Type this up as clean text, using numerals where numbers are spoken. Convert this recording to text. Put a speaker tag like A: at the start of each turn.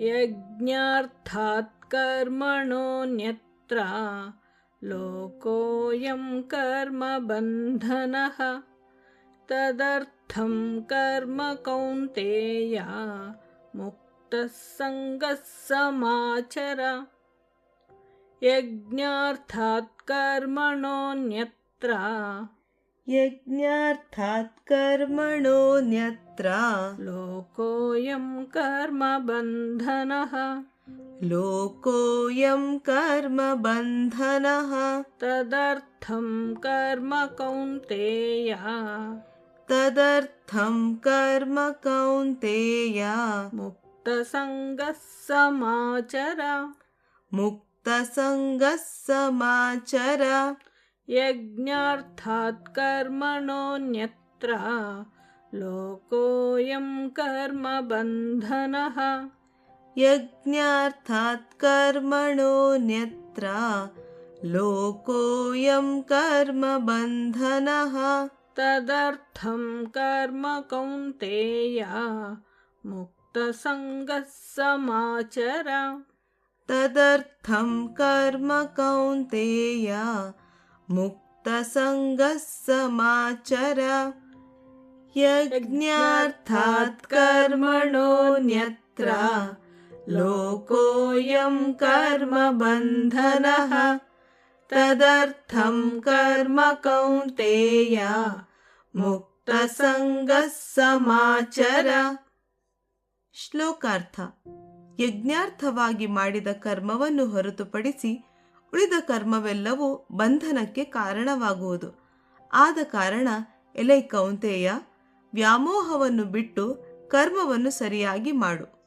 A: यज्ञार्थात् कर्मणोऽन्यत्र लोकोऽयं कर्मबन्धनः तदर्थं कर्म कौन्तेय मुक्तः सङ्गः समाचर। यज्ञार्थात् कर्मणोऽन्यत्र लोकोऽयं कर्मबन्धनः तदर्थं कर्म कौन्तेय मुक्तसङ्गः समाचर। यज्ञार्थात् कर्मणोऽन्यत्र लोकोऽयं कर्मबन्धनः तदर्थं कर्म कौन्तेय मुक्तसङ्गः समाचर।
B: यज्ञार्थात् कर्मणोऽन्यत्र लोकोऽयं कर्मबन्धनः तदर्थं कर्म कौन्तेय मुक्तसङ्गः समाचर। ಶ್ಲೋಕಾರ್ಥ. ಯಜ್ಞಾರ್ಥವಾಗಿ ಮಾಡಿದ ಕರ್ಮವನ್ನು ಹೊರತುಪಡಿಸಿ ಉಳಿದ ಕರ್ಮವೆಲ್ಲವೂ ಬಂಧನಕ್ಕೆ ಕಾರಣವಾಗುವುದು. ಆದ ಕಾರಣ ಎಲೈ ಕೌಂತೆಯ, ವ್ಯಾಮೋಹವನ್ನು ಬಿಟ್ಟು ಕರ್ಮವನ್ನು ಸರಿಯಾಗಿ ಮಾಡು.